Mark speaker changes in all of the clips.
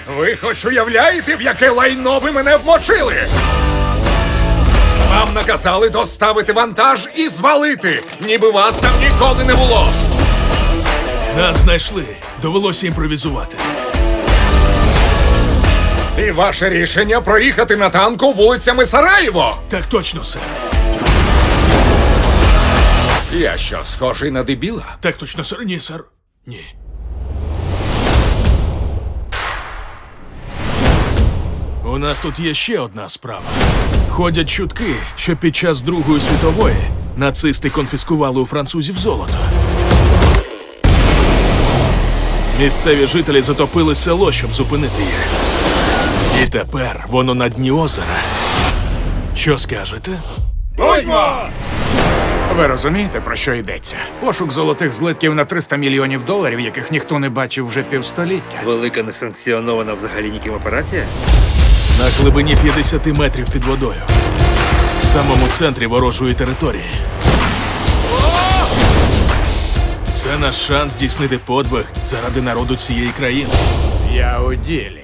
Speaker 1: Ви хоч уявляєте, в яке лайно ви мене вмочили? Вам наказали доставити вантаж і звалити, ніби вас там ніколи не було.
Speaker 2: Нас знайшли. Довелося імпровізувати.
Speaker 1: І ваше рішення проїхати на танку вулицями Сараєво?
Speaker 2: Так точно, сер.
Speaker 1: Я що, схожий на дебіла?
Speaker 2: Так точно, сер. Ні, сер. Ні. У нас тут є ще одна справа. Ходять чутки, що під час Другої світової нацисти конфіскували у французів золото. Місцеві жителі затопили село, щоб зупинити їх. І тепер воно на дні озера. Що скажете?
Speaker 1: Будьмо!
Speaker 3: Ви розумієте, про що йдеться? Пошук золотих злитків на $300 мільйонів, яких ніхто не бачив вже півстоліття.
Speaker 4: Велика несанкціонована взагалі ніким операція?
Speaker 2: На глибині 50 метрів під водою. В самому центрі ворожої території. Це наш шанс здійснити подвиг заради народу цієї країни.
Speaker 3: Я у ділі.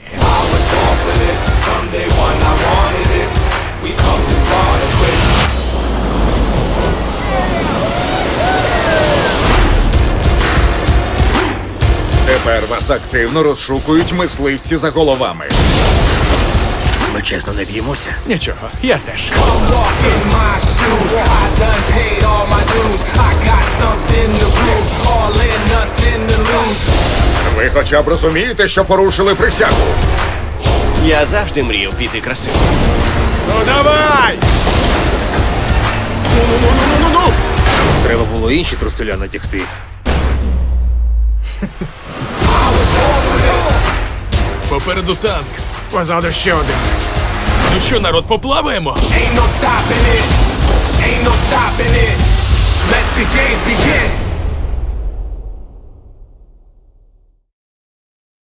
Speaker 1: Тепер вас активно розшукують мисливці за головами.
Speaker 4: Ми чесно не б'ємося.
Speaker 3: Нічого, я теж.
Speaker 5: Come walk in my shoes. I done paid all my dues. I got something to prove. All in, nothing to lose.
Speaker 1: Ви хоча б розумієте, що порушили присягу?
Speaker 6: Я завжди мріяв піти красиво.
Speaker 3: Ну давай!
Speaker 4: Треба було інші труселя натягти.
Speaker 2: Попереду танк.
Speaker 3: Позаду ще один.
Speaker 2: Ну що, народ, поплаваємо?
Speaker 5: Ain't no stopping it. Ain't no stopping it. Let the games begin.